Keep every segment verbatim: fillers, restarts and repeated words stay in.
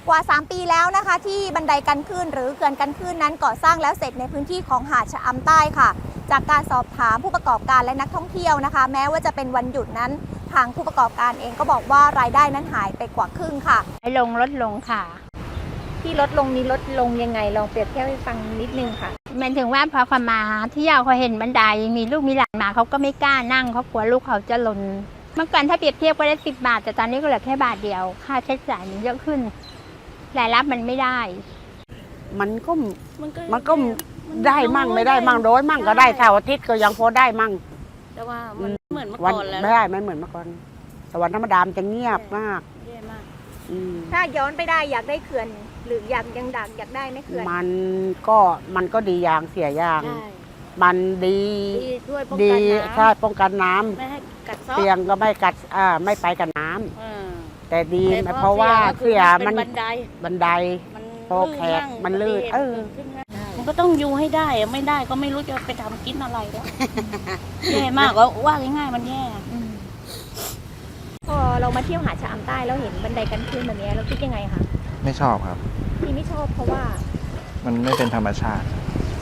กว่าสามปีแล้วนะคะที่บันไดกันคลื่นหรือเขื่อนกันคลื่นนั้นก่อสร้างแล้วเสร็จในพื้นที่ของหาดชะอำใต้ค่ะจากการสอบถามผู้ประกอบการและนักท่องเที่ยวนะคะแม้ว่าจะเป็นวันหยุดนั้นทางผู้ประกอบการเองก็บอกว่ารายได้นั้นหายไปกว่าครึ่งค่ะลงลดลงค่ะที่ลดลงนี้ลดลงยังไงลองเปรียบเทียบให้ฟังนิดนึงค่ะหมายถึงว่าพอเขามาเที่ยวเขาเห็นบันไดมีลูกมีหลานมาเขาก็ไม่กล้านั่งเขากลัวลูกเขาจะหล่นเมื่อก่อนถ้าเปรียบเทียบก็ได้สิบบาทแต่ตอนนี้ก็เหลือแค่บาทเดียวค่าใช้จ่ายมันเยอะขึ้นรายรับมันไม่ได้มันก็มันก็ได้มั่งไม่ได้มั่งโดยมั่งก็ได้เสาร์อาทิตย์ก็ยังพอได้มั่งแต่ว่ามันเหมือนเมื่อวันก่อนแล้วไม่ได้ไม่เหมือนเมื่อก่อนแต่วันธรรมดามันจะเงียบมากแย่มากถ้าย้อนไปได้อยากได้เขื่อนหรืออยากยังดักอยากได้ไหมเขื่อนมันก็มันก็ดีอย่างเสียอย่างใช่มันดีดีช่วยป้องดีกันน้ำใช่ป้องกันน้ำไม่ให้กัดเซาะเตียงก็ไม่กัดอ่าไม่ไปกับน้ำเออแต่ดีแต่เพราะว่าเสียมัมัน นบันไดบันไดมันโตแขกมันลื่นเออขึ้นง่ายมันก็ต้องอยู่ให้ได้อะไม่ได้ก็ไม่รู้จะไปทำกินอะไรแล้ว แย่มากก็ว่าง่ายๆมันแย่พอเรามาเที่ยวหาดชะอำใต้แล้วเห็นบันไดกันคลื่นแบบนี้เราคิดยังไงคะไม่ชอบครับที่ไม่ชอบเพราะว่ามันไม่เป็นธรรมชาติ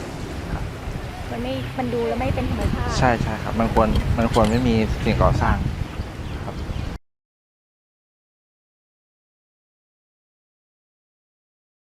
มันไม่มันดูแล้วไม่เป็นธรรมชาติใช่ใช่ครับมันควรมันควรไม่มีสิ่งก่อสร้าง